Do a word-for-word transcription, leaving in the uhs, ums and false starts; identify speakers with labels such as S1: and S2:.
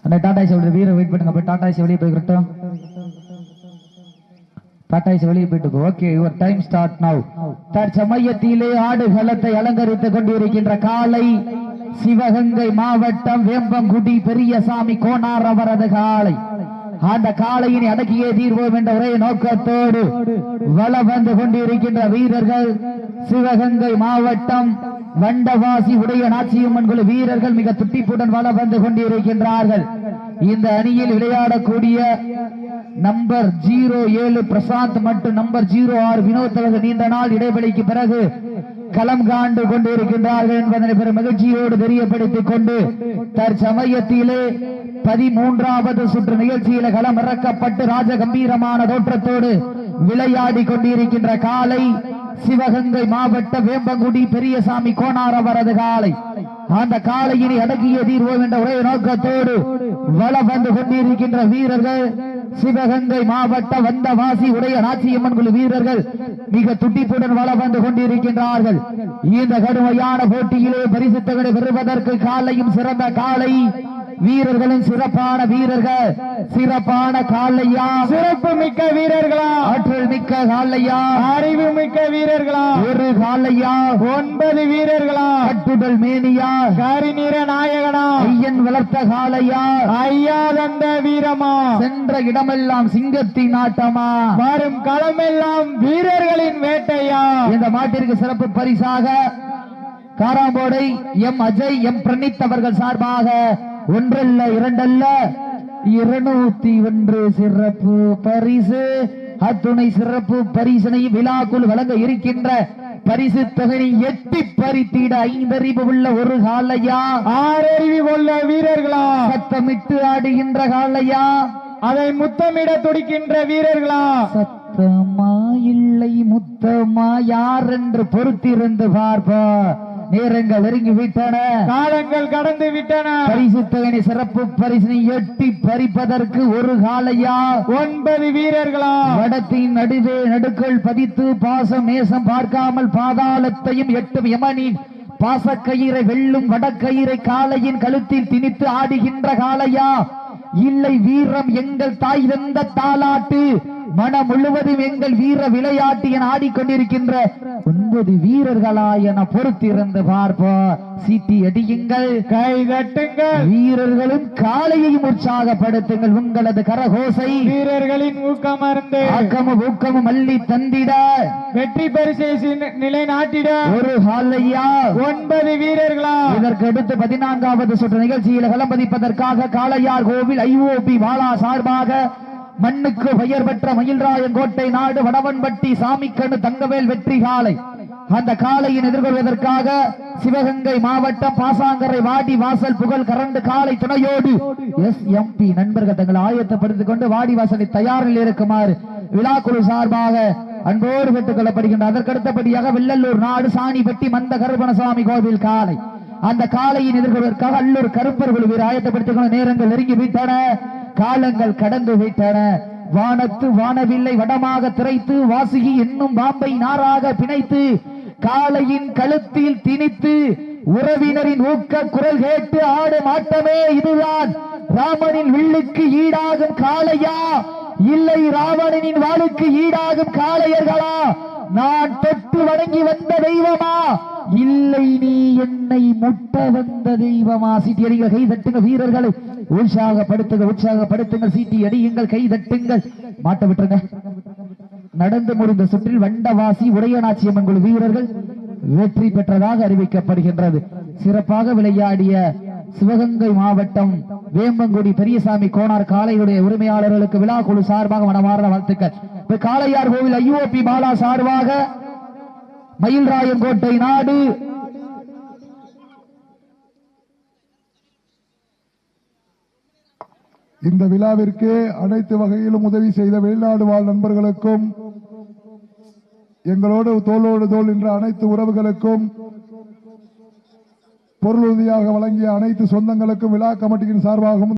S1: அந்த டாடா ஏசி வீரர் வெயிட் பண்ணுங்க. போய் டாடா ஏசி வெளியே போய்கிட்டோம். டாடா ஏசி வெளியே போயிட்டு okay your time start now. தற்சமயத்திலே ஆடுகளத்தை அலங்கரித்துக் கொண்டிருக்கின்ற காலை சிவகங்கை மாவட்டம் வேம்பங்குடி பெரியசாமி கோனார் அவரது காலை. அந்த காளையினை அடக்கியே தீர்வோம் என்ற ஒரே நோக்கத்தோடு வலம் வந்து கொண்டிருக்கின்ற வீரர்கள் சிவகங்கை மாவட்டம் வண்டவாசி உடைய நாச்சியம்மன் குழு வீரர்கள் மிக துட்டிப்புடன் வலம் வந்து கொண்டிருக்கின்றார்கள். இந்த அணியில் விளையாடக்கூடிய நம்பர் ஜீரோ ஏழு பிரசாந்த் மற்றும் நம்பர் ஜீரோ ஆறு வினோத் அவர்கள் நீண்ட நாள் இடைவெளிக்கு பிறகு களம் காண்டு கொண்டிருக்கின்றார்கள் என்பதனை பெரும் மகிழ்ச்சியோடு தெரியப்படுத்திக் கொண்டு தற்சமயத்திலே பதிமூன்றாவது சுற்று நிகழ்ச்சியில களம் இறக்கப்பட்டு ராஜ கம்பீரமான தோற்றத்தோடு விளையாடி கொண்டிருக்கின்ற காலை சிவகங்கை மாவட்ட வேம்பங்குடி பெரியசாமி கோனார் அவரது காலை. அந்த காளையினை அடக்கிய தீர்வோம் என்ற ஒரே நோக்கத்தோடு வலம் வந்து கொண்டிருக்கின்ற வீரர்கள் சிவகங்கை மாவட்ட வந்தவாசி உடைய நாச்சியம்மன் குழு வீரர்கள் மிக துட்டிப்புடன் வலம் வந்து கொண்டிருக்கின்றார்கள். இந்த கடுமையான போட்டியிலே பரிசு தொகை பெறுவதற்கு காலையும் சிறந்த காலை வீரர்களும் சிறப்பான வீரர்கள் சிறப்பான காலையா
S2: சிறப்பு மிக்க வீரர்களா
S1: ஆற்றல் மிக்க காலையா
S2: அறிவு மிக்க வீரர்களா
S1: ஒரு காலையா
S2: ஒன்பது வீரர்களா
S1: கட்டுடல் மேனியா
S2: கரிநிற நாயகனா
S1: ஐயன் வளர்த்த காலையா
S2: ஐயா தந்த வீரமா
S1: சென்ற இடமெல்லாம் சிங்கத்தின் ஆட்டமா
S2: வரும் களமெல்லாம் வீரர்களின் வேட்டையா.
S1: இந்த மாட்டிற்கு சிறப்பு பரிசாக காராம்போடை எம் அஜய் எம் பிரணீத் அவர்கள் சார்பாக ஒன்றல்ல இரண்டல்ல இருநூத்தி ஒன்று சிறப்பு பரிசு அத்துணை சிறப்பு பரிசனை விழாக்குள் வழங்க இருக்கின்ற பரிசு தொகையை எட்டி பறித்திட ஐந்தறிவு உள்ள ஒரு காலையா
S2: ஆறறிவு உள்ள வீரர்களா
S1: சத்தமிட்டு ஆடுகின்ற காலையா
S2: அதை முத்தமிட துடிக்கின்ற வீரர்களா
S1: சத்தமா இல்லை முத்தமா யார் என்று பொறுத்திருந்து பார்ப்பா. நேரங்கள் நெருங்கி விட்டன,
S2: காலங்கள் கடந்து விட்டன.
S1: பரிசு தொகையை சிறப்பு பரிசினை எட்டி பறிப்பதற்கு ஒரு காலையா
S2: ஒன்பது வீரர்களா
S1: வடத்தின் நடுவே நடுக்கள் பதித்து பாசம் நேசம் பார்க்காமல் பாதாளத்தையும் எட்டும் யமனின் பாசக்கயிறை வெல்லும் வடக்கயிறை காளையின் கழுத்தில் திணித்து ஆடுகின்ற காளையா இல்லை வீரம் எங்கள் தாய் தந்த தாலாட்டு மனம் முழுவதும் எங்கள் வீர விளையாட்டு என ஆடிக்கொண்டிருக்கின்ற ஒன்பது வீரர்களா என பொறுத்திருந்து பார்ப்போம். சீட்டி அடியுங்கள்,
S2: கை தட்டுங்கள்,
S1: வீரர்களும் காளையையும் உற்சாகப்படுத்துங்கள். உங்களது கரகோசை
S2: வீரர்களின் ஊக்கமருந்து
S1: ஆக்கமும் ஊக்கமும் அள்ளி தந்திட
S2: வெற்றி பரிசை நிலைநாட்டிட
S1: ஒரு காலையா
S2: ஒன்பது வீரர்களா.
S1: இதற்கு அடுத்து பதினான்காவது சுற்று நிகழ்ச்சியில் களம்பதிப்பதற்காக காளையார் கோவில் ஐஓபி வாலா சார்பாக மண்ணுக்கு பெயர் பெற்ற மயில்ராயங்கோட்டை நாடு வடவன்பட்டி சாமிக்கண்ணு தங்கவேல் வெற்றி காலை. அந்த காளையின் எதிர்கொள்வதற்காக சிவகங்கை மாவட்டம் பாசாங்கரை வாடி வாசல் புகழ் கரண்டு காலை துணையோடு எஸ் எம் பி நண்பர்கள் தங்களை ஆயத்தப்படுத்திக் கொண்டு வாடி வாசலை தயாரில் இருக்குமாறு விழாக்குழு சார்பாக அன்போடு பெற்றுக் கொள்ளப்படுகின்ற. அதற்கடுத்தபடியாக வெள்ளல்லூர் நாடு சாணிப்பட்டி மந்த கருப்பணசாமி கோவில் காலை. அந்த காளையின் எதிர்கொள்வதற்காக அல்லூர் கருப்பர் குழுவில் ஆயத்தப்படுத்திக் கொண்ட நேரங்கள் நெருங்கி விட்டன, காலங்கள் கடந்து விட்டன. வானத்து வானவில்லை வடமாக திரைத்து வாசுகி என்னும் பாம்பை நாராக பிணைத்து காளையின் கழுத்தில் திணித்து உறவினரின் ஊக்க குரல் கேட்டு ஆடும் ஆட்டமே இதுதான். ராமனின் வில்லுக்கு ஈடாகும் காளையா இல்லை ராவணனின் வாளுக்கு ஈடாகும் காளையர்களா? நான் தொட்டு வணங்கி வந்த தெய்வமா இல்லை நீ என்னை முட்ட வந்த தெய்வமா? சீட்டி அடிங்கள், கை தட்டுங்க, வீரர்களை உற்சாகப்படுத்துங்க, உற்சாகப்படுத்துங்கள், சீட்டி அடியுங்கள், கை தட்டுங்கள். மாட்ட விட்டுருங்க. நடந்து முடிந்த சுற்றில் வண்டவாசி உடையநாச்சியம்மன் குழு வீரர்கள் வெற்றி பெற்றதாக அறிவிக்கப்படுகின்றது. சிறப்பாக விளையாடிய சிவகங்கை மாவட்டம் வேம்பங்குடி பெரியசாமி கோனார் காளையுடைய உரிமையாளர்களுக்கு விழா குழு சார்பாக மனமார்ந்த வாழ்த்துக்கள். காளையார் கோவில் ஐஓபி பாலா சார்பாக மயில்ராயங்கோட்டை நாடு
S3: இந்த விழாவிற்கு அனைத்து வகையிலும் உதவி செய்த வெளிநாடு வாழ் நண்பர்களுக்கும் எங்களோடு தோளோடு தோள் என்ற அனைத்து உறவுகளுக்கும் பொருளுதவியாக வழங்கிய அனைத்து சொந்தங்களுக்கும் விழா கமிட்டியின் சார்பாகவும்